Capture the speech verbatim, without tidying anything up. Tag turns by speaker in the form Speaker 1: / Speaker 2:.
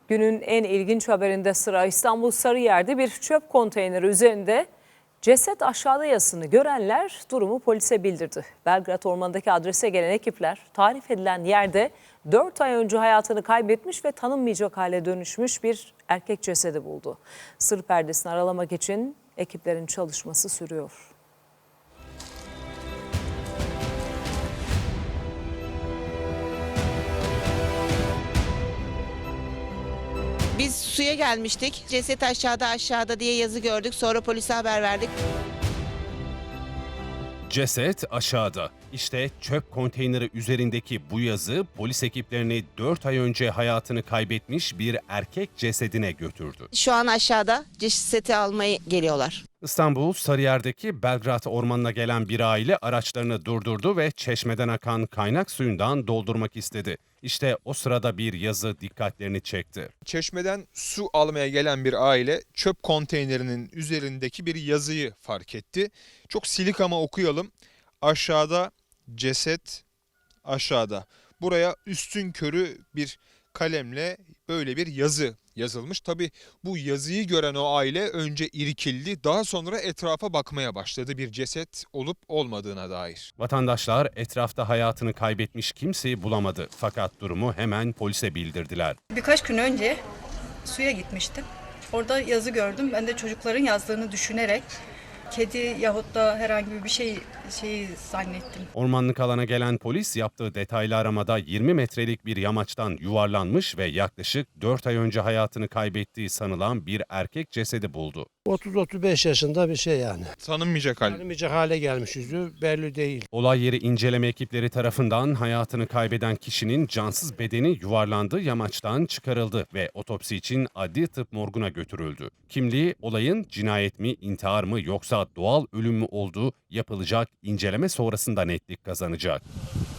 Speaker 1: Günün en ilginç haberinde sıra İstanbul Sarıyer'de bir çöp konteyneri üzerinde ceset aşağıda yazısını görenler durumu polise bildirdi. Belgrad Ormanı'ndaki adrese gelen ekipler tarif edilen yerde dört ay önce hayatını kaybetmiş ve tanınmayacak hale dönüşmüş bir erkek cesedi buldu. Sır perdesini aralamak için ekiplerin çalışması sürüyor.
Speaker 2: Biz suya gelmiştik. Ceset aşağıda aşağıda diye yazı gördük. Sonra polise haber verdik.
Speaker 3: Ceset aşağıda. İşte çöp konteyneri üzerindeki bu yazı polis ekiplerini dört ay önce hayatını kaybetmiş bir erkek cesedine götürdü.
Speaker 2: Şu an aşağıda ceseti almaya geliyorlar.
Speaker 3: İstanbul Sarıyer'deki Belgrad Ormanı'na gelen bir aile araçlarını durdurdu ve çeşmeden akan kaynak suyundan doldurmak istedi. İşte o sırada bir yazı dikkatlerini çekti.
Speaker 4: Çeşmeden su almaya gelen bir aile çöp konteynerinin üzerindeki bir yazıyı fark etti. Çok silik ama okuyalım. Aşağıda ceset, aşağıda. Buraya üstünkörü bir kalemle böyle bir yazı yazılmış. Tabii bu yazıyı gören o aile önce irkildi, daha sonra etrafa bakmaya başladı bir ceset olup olmadığına dair.
Speaker 3: Vatandaşlar etrafta hayatını kaybetmiş kimseyi bulamadı. Fakat durumu hemen polise bildirdiler.
Speaker 5: Birkaç gün önce suya gitmiştim. Orada yazı gördüm. Ben de çocukların yazdığını düşünerek kedi yahut da herhangi bir şey şeyi zannettim.
Speaker 3: Ormanlık alana gelen polis yaptığı detaylı aramada yirmi metrelik bir yamaçtan yuvarlanmış ve yaklaşık dört ay önce hayatını kaybettiği sanılan bir erkek cesedi buldu.
Speaker 6: otuz otuz beş yaşında bir şey yani.
Speaker 4: Tanınmayacak hal.
Speaker 6: Tanımayacak hale gelmiş, yüzü belli değil.
Speaker 3: Olay yeri inceleme ekipleri tarafından hayatını kaybeden kişinin cansız bedeni yuvarlandığı yamaçtan çıkarıldı ve otopsi için adli tıp morguna götürüldü. Kimliği olayın cinayet mi, intihar mı yoksa doğal ölüm mü olduğu yapılacak inceleme sonrasında netlik kazanacak.